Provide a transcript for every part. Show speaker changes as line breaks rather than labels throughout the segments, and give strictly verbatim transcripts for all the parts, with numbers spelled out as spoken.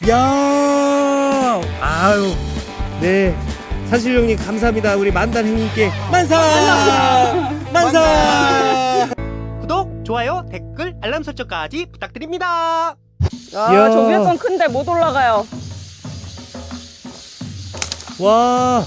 야, 아유, 네. 산실 형님 감사합니다. 우리 만단 형님께 만사! 만사!
구독, 좋아요, 댓글, 알람 설정까지 부탁드립니다.
야,
이야.
저 위에 건 큰데 못 올라가요.
와,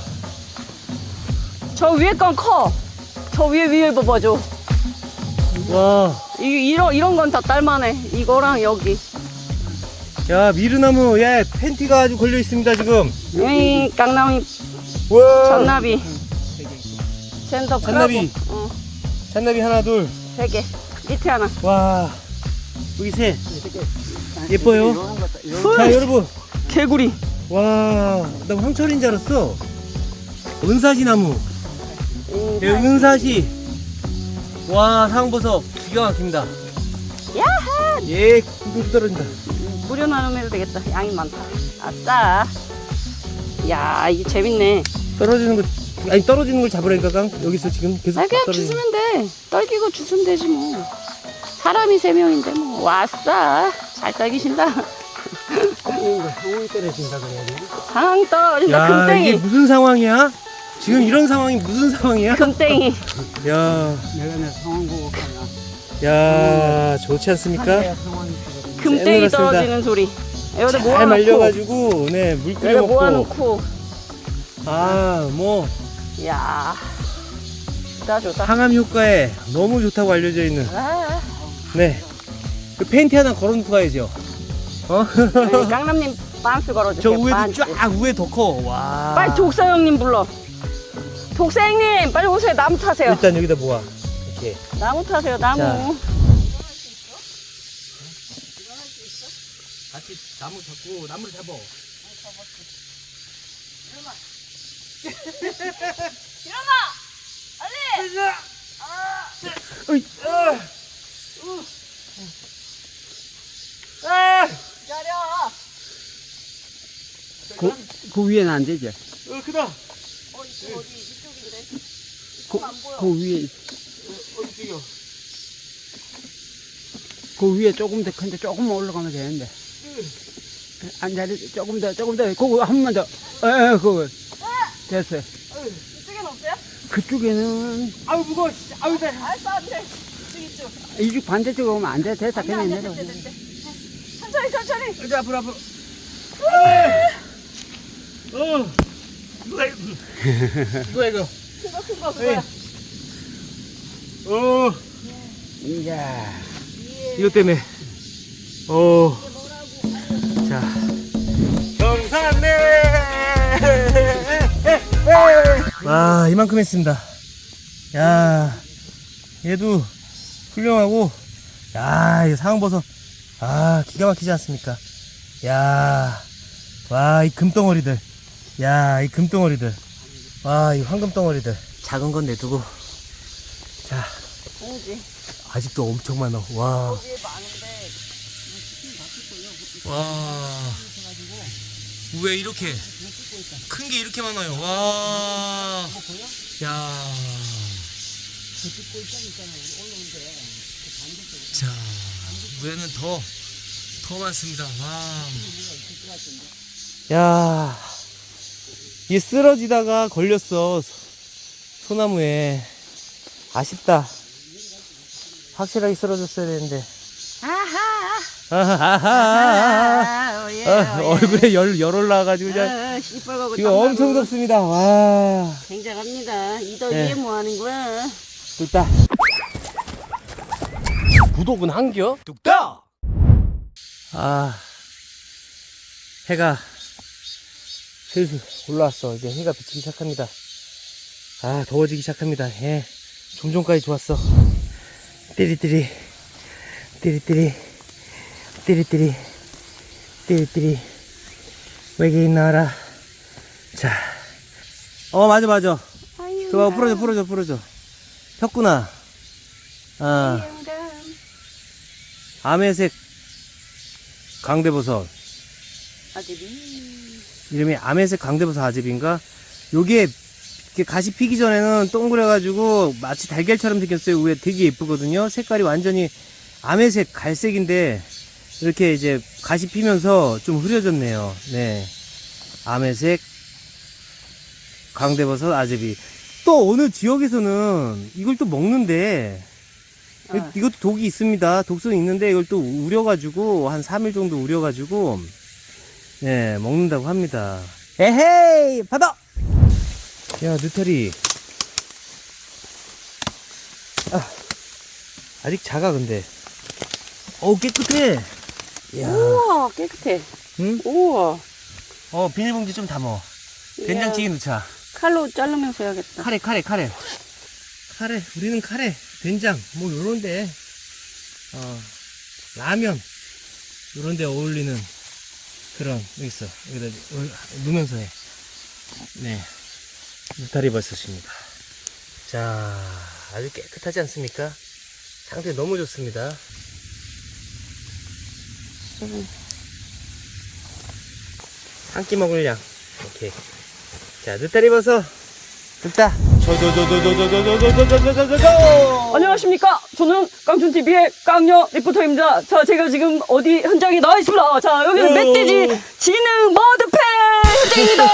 저 위에 건 커. 저 위에 위에 봐봐줘.
와.
이, 이런 이런 건 다 딸만해. 이거랑 여기.
야, 미르나무, 야, 팬티가 아주 걸려 있습니다, 지금.
이 깡나미
와.
잔나비. 젠더
잔나비.
크라고. 어,
잔나비 하나, 둘.
세 개. 밑에 하나.
와. 여기 셋. 예뻐요. 자, 여러분.
개구리.
와, 나 황철인 줄 알았어. 은사시 나무. 예, 은사시. 와, 상버섯 기가 막힙니다.
야하.
예, 구두 떨어진다.
무료 나눔해도 되겠다. 양이 많다. 아싸. 야, 이게 재밌네.
떨어지는 거, 아니 떨어지는 걸 잡으라니까, 깡. 여기서 지금 계속
아, 그냥
떨어지는.
주스면 돼. 떨기고 주스면 되지 뭐. 사람이 세 명인데 뭐. 왔싸. 잘 떨기신다.
상황이 떨어진다 그래야 돼.
상황 떨어진다.
야,
금땡이.
이게 무슨 상황이야? 지금 이런 상황이 무슨 상황이야?
금땡이.
야,
내가 내 상황 보고 가냐.
야, 좋지 않습니까?
상황이
금땡이
쎄놀았습니다.
떨어지는 소리. 여기다
잘
모아놓고.
말려가지고, 네, 물 끓여
여기다
먹고.
모아놓고.
아, 뭐
야, 좋다 좋다.
항암 효과에 너무 좋다고 알려져 있는.
아,
네, 그 팬티 하나 걸어놓고 가야죠. 어?
네, 깡남님 반스
저
걸어주세요.
위에도
반스.
쫙 위에 더 커. 와.
빨리 독사 형님 불러. 독사 형님 빨리 오세요. 나무 타세요.
일단 여기다 모아. 이렇게.
나무 타세요. 나무.
자. 같이 나무 잡고 나무를 잡어.
일어나. 빨리.
으이, 아. 아.
기다려.
그, 그 위에는 안 되지.
어, 크다.
어디 어디 이쪽인데.
그,
안 보여.
그 위에,
어디 찍어?
그 위에 조금 더 큰데 조금만 올라가면 되는데. 앉아리 조금 더, 조금 더, 그거 한 번만 더. 에, 에, 그거. 됐어요.
이쪽에는 없어요?
그쪽에는,
아우 무거워. 진짜. 아우 돼.
알았어 안돼. 이쪽 이쪽.
이쪽 반대쪽으로 오면 안 돼. 됐다.
안돼
그냥
안돼
내려.
됐대 됐대. 천천히 천천히.
이제 앞으로 앞으로. 어. 누가 이거? 누가 이거?
큰거 큰 거 그거야.
어.
이야.
이것 때문에. 어. 자. 경산내. 와, 이만큼 했습니다. 야, 얘도 훌륭하고. 야, 이 상황버섯. 아, 기가 막히지 않습니까? 야, 와, 이 금덩어리들. 야, 이 금덩어리들. 와, 이 황금덩어리들. 작은 건 내두고. 자,
공지.
아직도 엄청 많아. 와.
여기에 많은데.
와. 왜 이렇게 큰 게 이렇게 많아요? 와. 야. 자, 위에는 더, 더 많습니다. 와. 야. 이게 쓰러지다가 걸렸어. 소나무에. 아쉽다. 확실하게 쓰러졌어야 되는데.
아하.
아하하.
아, 예,
아,
예.
얼굴에 열, 열 올라와가지고 그냥
아, 시뻘겋고
지금
땀나고.
엄청 덥습니다. 와.
굉장합니다. 이 더위에
네.
뭐 하는 거야?
뚝딱. 구독은 한겨? 뚝딱. 아, 해가 슬슬 올라왔어. 이제 해가 비치기 시작합니다. 아, 더워지기 시작합니다. 예, 좀 전까지 좋았어. 띠리띠리, 띠리띠리, 띠리띠리, 띠리띠리. 외계인 나와라. 자, 어, 맞아, 맞아. 그거 풀어줘, 풀어줘, 풀어줘. 폈구나. 아, 아메색 강대버섯.
아들이.
이름이 아메색 강대버섯 아집인가? 요게 이렇게 가시 피기 전에는 동그래가지고 마치 달걀처럼 생겼어요. 위에 되게 예쁘거든요. 색깔이 완전히 아메색 갈색인데 이렇게 이제 가시 피면서 좀 흐려졌네요. 네. 아메색, 광대버섯, 아제비. 또 어느 지역에서는 이걸 또 먹는데,
아.
이것도 독이 있습니다. 독성이 있는데 이걸 또 우려가지고, 한 삼 일 정도 우려가지고, 네, 먹는다고 합니다. 에헤이! 받아! 야, 느타리. 아, 아직 작아, 근데. 어우, 깨끗해. 이야.
우와, 깨끗해.
응?
우와.
어, 비닐봉지 좀 담어. 된장찌개 넣자.
칼로 자르면서 해야겠다.
카레, 카레, 카레. 카레, 우리는 카레, 된장, 뭐, 요런데, 어, 라면, 요런데 어울리는 그런, 여기 있어. 여기다 넣으면서 해. 네. 느타리 버섯입니다. 자, 아주 깨끗하지 않습니까? 상태 너무 좋습니다. 한 끼 먹을 양. 오케이. 자, 느타리 버섯. 됐다. 저저저저저저저저저저저저저.
안녕하십니까. 저는 깡촌티비의 깡녀 리포터입니다. 자, 제가 지금 어디 현장에 나와 있습니다. 자, 여기는
오.
멧돼지 지능 머드패 현장입니다.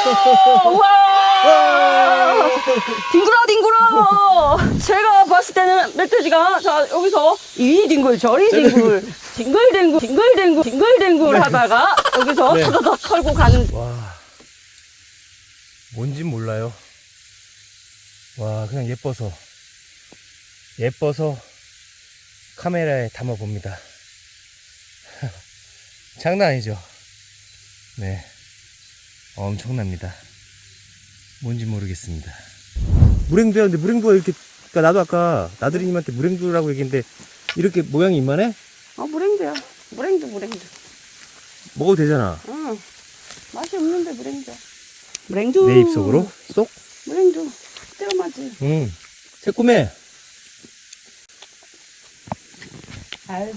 와! 뒹굴어, 뒹굴어! 제가 봤을 때는 멧돼지가, 자, 여기서 이 뒹굴, 저리 뒹굴, 뒹굴뒹굴, 뒹굴뒹굴, 뒹굴뒹굴 하다가 여기서
네.
터더덕 털고 가는.
와, 뭔진 몰라요. 와, 그냥 예뻐서 예뻐서 카메라에 담아봅니다. 장난 아니죠? 네, 엄청납니다. 뭔지 모르겠습니다. 물행두야. 근데 물행두가 이렇게, 그러니까 나도 아까 나들이님한테 물행두라고 얘기했는데 이렇게 모양이 이만해?
아, 물행두야. 물행두, 물행두.
먹어도 되잖아.
응. 맛이 없는데 물행두야. 물행두.
내 입속으로 쏙.
물행두. 뜨거마지.
응. 새콤해.
알.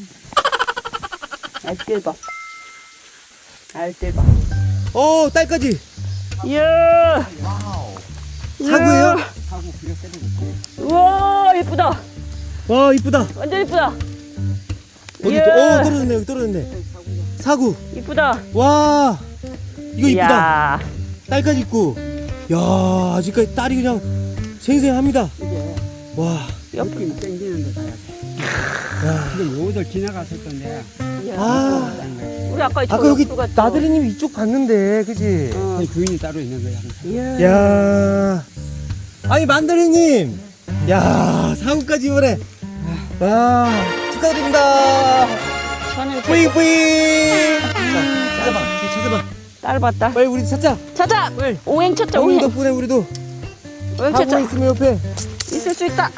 알뜰봐. 알뜰봐.
어, 딸까지.
이야.
사구예요?
하고 그려 때리고.
우와, 예쁘다.
와, 이쁘다.
완전 예쁘다.
어디
이야.
또, 어, 떨어졌네, 여기 떨어졌네. 사구.
이쁘다.
와, 이거 이쁘다.
이야.
딸까지 있고. 야, 아직까지 딸이 그냥 생생합니다.
이게
와,
옆.
느낌 땡기는 데 가야 돼.
야.
근데 요들 지나갔을 건데.
이야.
아,
우리 아까 저
아까 여기
옆으로 갔죠?
나들이님 이쪽 봤는데, 그지?
어.
그 주인이 따로 있는 거야. 항상.
이야.
야, 아니, 만다리님. 야, 사구까지 이번에. 와, 축하드립니다.
저는
뿌잉, 뿌잉. 자, 찾아봐, 뒤 찾아봐.
짧았다.
빨리 우리 찾자.
찾아.
빨리.
오행 찾자.
형님
오행.
덕분에 우리도
오행
사고
찾자.
있으면 옆에.
있을 수 있다.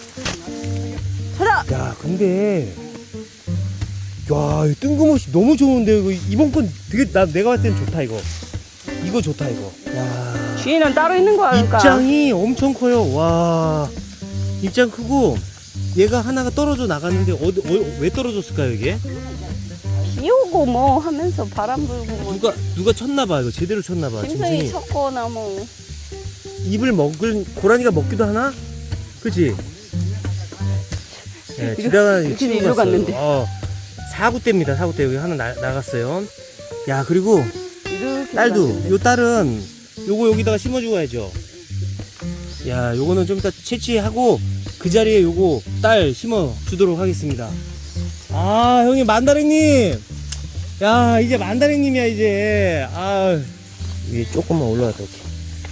찾아.
야, 근데 야, 이거 뜬금없이 너무 좋은데 이거 이번 건 되게 나 내가 봤을 땐 좋다 이거. 이거 좋다 이거. 야,
주인은 따로 있는 거야. 그러니까.
입장이 엄청 커요. 와, 입장 크고 얘가 하나가 떨어져 나갔는데 어디 어, 왜 떨어졌을까요 이게?
비 오고 뭐 하면서 바람 불고 뭐
누가 누가 쳤나 봐 이거 제대로 쳤나 봐.
짐승이
짐승이
쳤거나 뭐.
입을 먹을 고라니가 먹기도 하나? 그치? 네,
이거-
지다가
이거
치고
이리로
갔어요.
갔는데.
어, 사구 대입니다. 사구 대 여기 하나 나, 나갔어요. 야, 그리고
이렇게
딸도
갔는데.
요 딸은 요거 여기다가 심어주고 가야죠. 야, 요거는 좀 이따 채취하고 그 자리에 요거 딸 심어 주도록 하겠습니다. 아, 형님 만다랭님. 야, 이제 만다랭님이야 이제. 아, 위에 조금만 올라갔다 올게.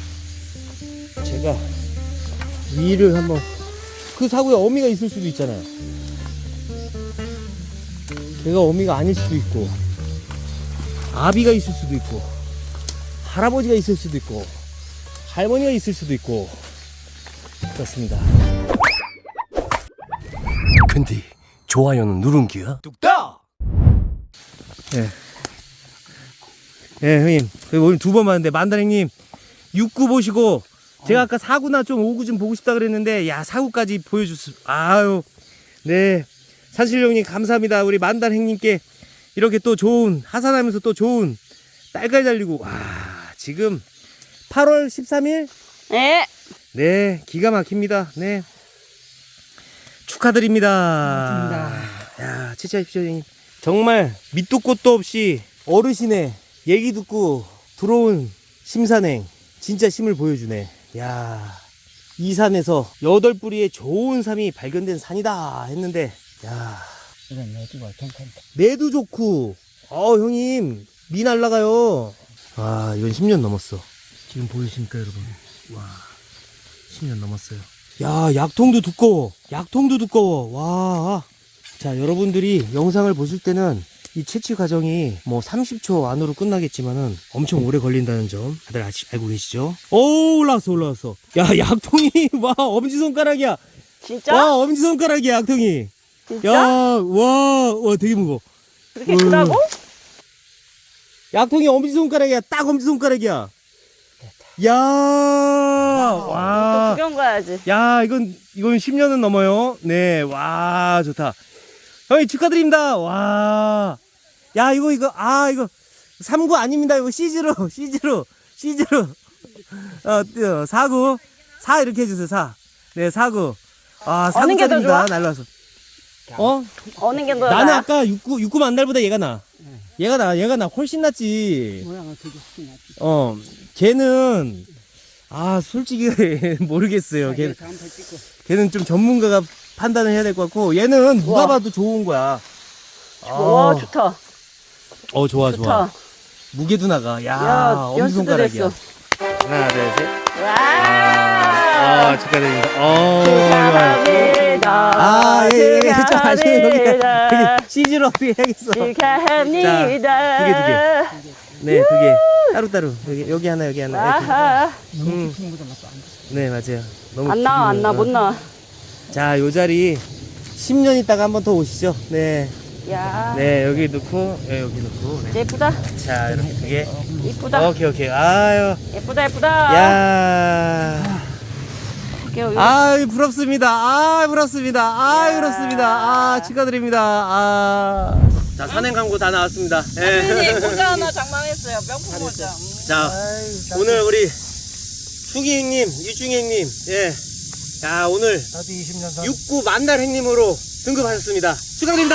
제가 위를 한번, 그 사구에 어미가 있을 수도 있잖아요. 걔가 어미가 아닐 수도 있고, 아비가 있을 수도 있고, 할아버지가 있을 수도 있고, 할머니가 있을 수도 있고, 그렇습니다. 근데 좋아요는 누른 기야? 뚝딱! 예. 예, 형님. 그리고 오늘 두 번 봤는데, 만다랭님, 육 구 보시고, 제가 아까 사 구나 좀 오 구 좀 보고 싶다 그랬는데, 야, 사 구까지 보여줬어. 아유, 네. 산실령님, 감사합니다. 우리 만다랭님께 이렇게 또 좋은, 하산하면서 또 좋은 딸깔 달리고, 와, 지금 팔월 십삼일?
네.
네, 기가 막힙니다. 네. 축하드립니다.
고맙습니다.
야, 치치하십시오, 형님. 정말 밑도 끝도 없이 어르신의 얘기 듣고 들어온 심산행 진짜 힘을 보여주네. 야, 이 산에서 여덟 뿌리의 좋은 삶이 발견된 산이다 했는데, 야,
이건 내주가 괜찮다.
매도 좋고, 어 형님 미 날라가요. 와, 이건 십 년 넘었어. 지금 보이십니까 여러분? 와, 십 년 넘었어요. 야, 약통도 두꺼워. 약통도 두꺼워. 와. 자, 여러분들이 영상을 보실 때는 이 채취 과정이 뭐 삼십 초 안으로 끝나겠지만은 엄청 오래 걸린다는 점 다들 아시, 알고 계시죠? 오, 올라왔어, 올라왔어. 야, 약통이, 와, 엄지손가락이야.
진짜?
와, 엄지손가락이야, 약통이.
진짜?
야, 와, 와, 되게 무거워.
그렇게 크다고?
약통이 엄지손가락이야. 딱 엄지손가락이야. 야,
또
와.
구경 가야지.
야, 이건, 이건 십 년은 넘어요. 네, 와, 좋다. 형님 축하드립니다. 와. 야, 이거, 이거, 아, 이거, 삼 구 아닙니다. 이거 시즈로, 시즈로, 시즈로. 어, 어, 사 구. 사 이렇게 해주세요, 사. 네, 사 구. 아, 사
어느 게 더
구짜리입니다.
좋아?
날라왔어. 어?
어느 게 더
나는
나아?
아까 육 구, 육 구 만달보다 얘가 나. 얘가 나, 얘가 나 훨씬 낫지.
모양은 되게 신기하지.
어, 걔는, 아, 솔직히 모르겠어요. 걔,
다음부터 찍고.
걔는 좀 전문가가 판단을 해야 될 것 같고, 얘는 누가
우와.
봐도 좋은 거야.
와,
아,
좋다.
어, 좋아,
좋다.
좋아. 무게도 나가. 야,
야,
엄지손가락이야.
연습도
하나, 둘, 셋.
와.
아, 축하드립니다. 어,
축하합니다.
아, 예, 예, 좀 아시네. 여기,
축하합니다.
여기 씨즈로 어떻게 해야겠어.
축하합니다.
두 개, 두 개. 네, 두 개. 따로따로. 여기, 여기 하나, 여기 하나. 이렇게.
아하.
음. 네, 맞아요. 너무
안 나와, 안
깊은
나, 못
거.
나와.
자, 요 자리 십 년 있다가 한 번 더 오시죠. 네.
야.
네, 여기 넣고, 네, 여기 넣고. 네.
예쁘다.
자, 이렇게 두 개.
이쁘다.
오케이, 오케이. 아유.
예쁘다, 예쁘다.
야.
오케이, 오케이.
아유, 부럽습니다. 아, 부럽습니다. 아, 부럽습니다. 아, 축하드립니다. 아. 자, 산행 광고 다 나왔습니다. 예.
모자 하나 장만했어요. 명품 모자.
자, 오늘 우리 충희 형님, 유충희 형님, 예. 자, 오늘
나도 이십 년
육 구 만달 행님으로 등급하셨습니다. 축하드립니다.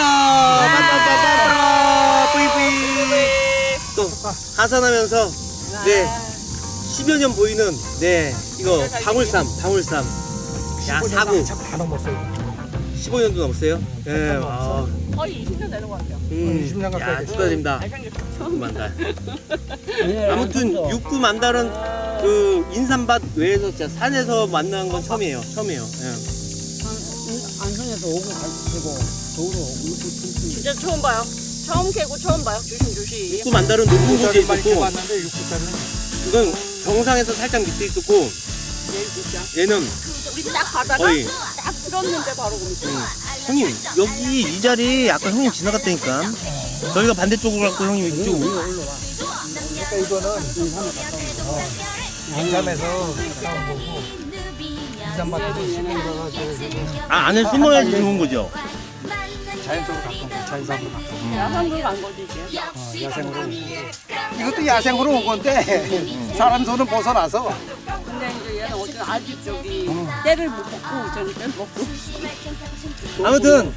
빰빰빰빰빰. 뿌이뿌이. 또 하산하면서 네 십여 년 보이는 네 이거 방울삼, 방울삼. 야, 사 구.
다 넘었어요.
십오 년도 넘었어요. 예. 아,
거의 이십 년 되는 것 같아요.
음,
이십 년 가까이
야,
됐어요.
축하드립니다. 육 구 만달. 아무튼 육 구 만달은 그 인삼밭 외에서 진짜 산에서 만난 건 처음이에요. 처음이에요. 예.
안성에서 오고 가지고 도로 오고
진짜 처음 봐요. 처음 캐고 처음 봐요. 조심 조심.
육 구 만달은 높은 곳에 있었고,
봤는데 육구짜리
이건 정상에서 살짝 밑에 있었고, 얘는
우리 딱 가다가
거의.
딱 들었는데 바로 거기.
형님 여기 이 자리 아까 형님 지나갔다니까. 저희가 반대쪽으로 갔고 형님 이쪽으로.
그러니까 이거는 인삼에 가까운 거. 인삼에서 가까운 거고 인삼밭에도 심은 거가
아, 안에 숨어야지 좋은 거죠.
자연적으로 가까운 거. 자연산으로 가까운 거.
야산으로 간 거지 이게.
어, 야생으로 온 거고. 이것도 야생으로 온 건데 사람 손은 벗어나서
근데 이제 얘는 어쨌든 아직 저기 때를 못 먹고 저는 때를 먹고.
아무튼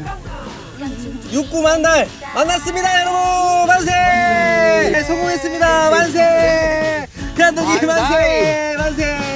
육 구 만달 만났습니다 여러분. 만세. 네, 성공했습니다. 만세. 대한독일 만세. 만세.